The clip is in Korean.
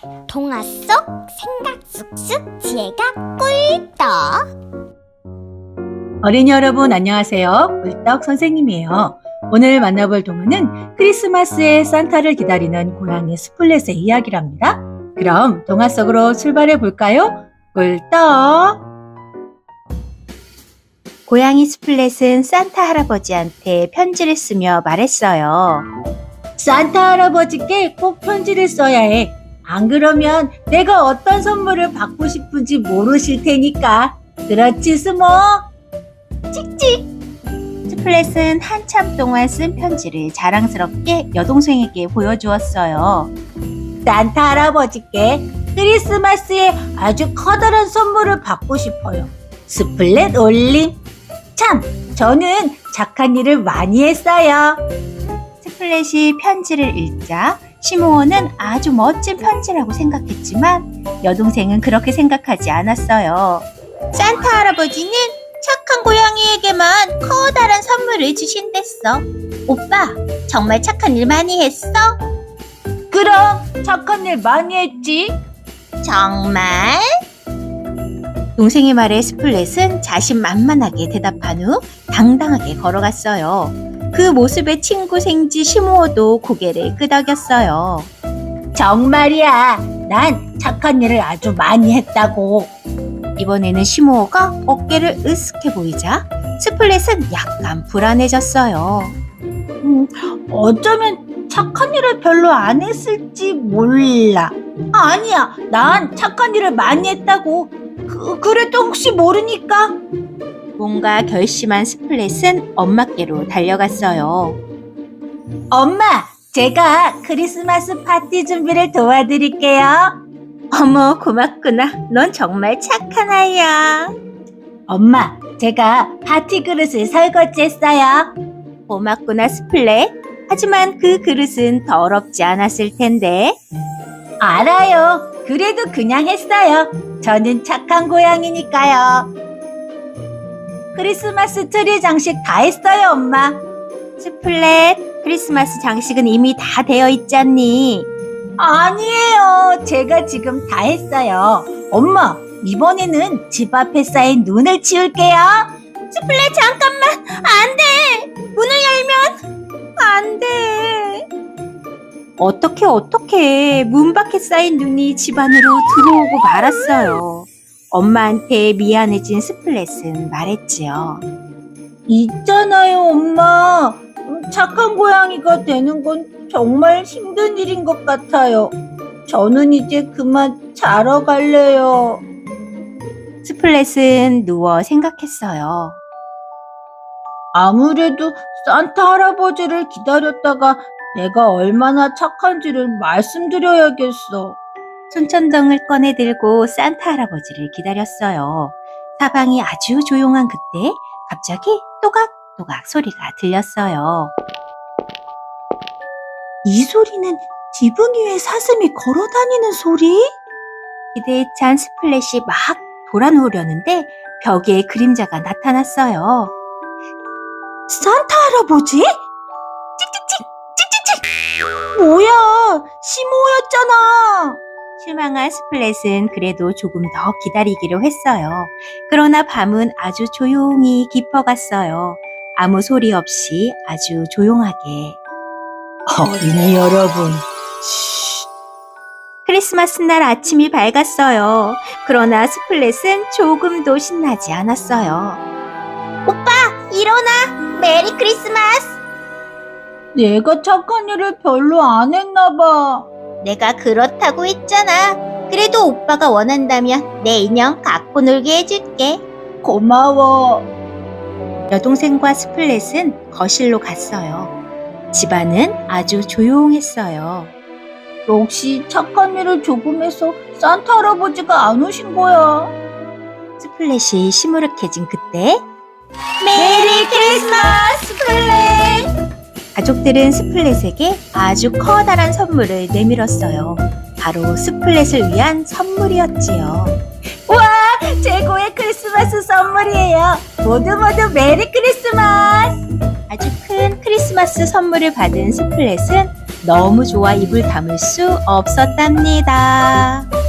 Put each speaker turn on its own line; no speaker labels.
동화 속 생각 쑥쑥 지혜가 꿀떡.
어린이 여러분 안녕하세요. 꿀떡 선생님이에요. 오늘 만나볼 동화는 크리스마스에 산타를 기다리는 고양이 스플렛의 이야기랍니다. 그럼 동화 속으로 출발해 볼까요? 꿀떡!
고양이 스플렛은 산타 할아버지한테 편지를 쓰며 말했어요.
산타 할아버지께 꼭 편지를 써야 해. 안 그러면 내가 어떤 선물을 받고 싶은지 모르실 테니까. 그렇지, 스모?
찍찍! 스플렛은 한참 동안 쓴 편지를 자랑스럽게 여동생에게 보여주었어요.
산타 할아버지께 크리스마스에 아주 커다란 선물을 받고 싶어요. 스플렛 올림. 참, 저는 착한 일을 많이 했어요.
스플렛이 편지를 읽자 시모어는 아주 멋진 편지라고 생각했지만 여동생은 그렇게 생각하지 않았어요. 산타 할아버지는 착한 고양이에게만 커다란 선물을 주신댔어. 오빠, 정말 착한 일 많이 했어?
그럼 착한 일 많이 했지.
정말? 동생의 말에 스플렛은 자신만만하게 대답한 후 당당하게 걸어갔어요. 그 모습에 친구 생쥐 시모어도 고개를 끄덕였어요.
정말이야. 난 착한 일을 아주 많이 했다고.
이번에는 시모어가 어깨를 으쓱해 보이자 스플렛은 약간 불안해졌어요.
어쩌면 착한 일을 별로 안 했을지 몰라. 아니야. 난 착한 일을 많이 했다고. 그래도 혹시 모르니까.
뭔가 결심한 스플렛은 엄마께로 달려갔어요.
엄마, 제가 크리스마스 파티 준비를 도와드릴게요.
어머, 고맙구나. 넌 정말 착한 아이야.
엄마, 제가 파티 그릇을 설거지했어요.
고맙구나, 스플렛. 하지만 그 그릇은 더럽지 않았을 텐데.
알아요. 그래도 그냥 했어요. 저는 착한 고양이니까요. 크리스마스 트리 장식 다 했어요, 엄마.
스플렛, 크리스마스 장식은 이미 다 되어 있잖니.
아니에요. 제가 지금 다 했어요. 엄마, 이번에는 집 앞에 쌓인 눈을 치울게요.
스플렛, 잠깐만. 안 돼. 문을 열면 안 돼. 어떻게 문 밖에 쌓인 눈이 집 안으로 들어오고 말았어요. 엄마한테 미안해진 스플렛은 말했지요.
있잖아요, 엄마. 착한 고양이가 되는 건 정말 힘든 일인 것 같아요. 저는 이제 그만 자러 갈래요.
스플렛은 누워 생각했어요.
아무래도 산타 할아버지를 기다렸다가 내가 얼마나 착한지를 말씀드려야겠어.
손전등을 꺼내 들고 산타 할아버지를 기다렸어요. 사방이 아주 조용한 그때 갑자기 또각또각 소리가 들렸어요.
이 소리는 지붕 위에 사슴이 걸어다니는 소리?
기대에 찬 스플렛이 막 돌아누우려는데 벽에 그림자가 나타났어요.
산타 할아버지? 찍찍찍! 찍찍찍! 뭐야! 시모였잖아!
실망한 스플렛은 그래도 조금 더 기다리기로 했어요. 그러나 밤은 아주 조용히 깊어갔어요. 아무 소리 없이 아주 조용하게.
어린이 여러분,
크리스마스 날 아침이 밝았어요. 그러나 스플렛은 조금도 신나지 않았어요. 오빠, 일어나! 메리 크리스마스!
내가 착한 일을 별로 안 했나 봐.
내가 그렇다고 했잖아. 그래도 오빠가 원한다면 내 인형 갖고 놀게 해줄게.
고마워.
여동생과 스플렛은 거실로 갔어요. 집안은 아주 조용했어요.
역시 착한 일을 조금 해서 산타 할아버지가 안 오신 거야.
스플렛이 시무룩해진 그때
메리 크리스마스, 스플렛!
가족들은 스플렛에게 아주 커다란 선물을 내밀었어요. 바로 스플렛을 위한 선물이었지요.
와, 최고의 크리스마스 선물이에요. 모두 메리 크리스마스!
아주 큰 크리스마스 선물을 받은 스플렛은 너무 좋아 입을 다물 수 없었답니다.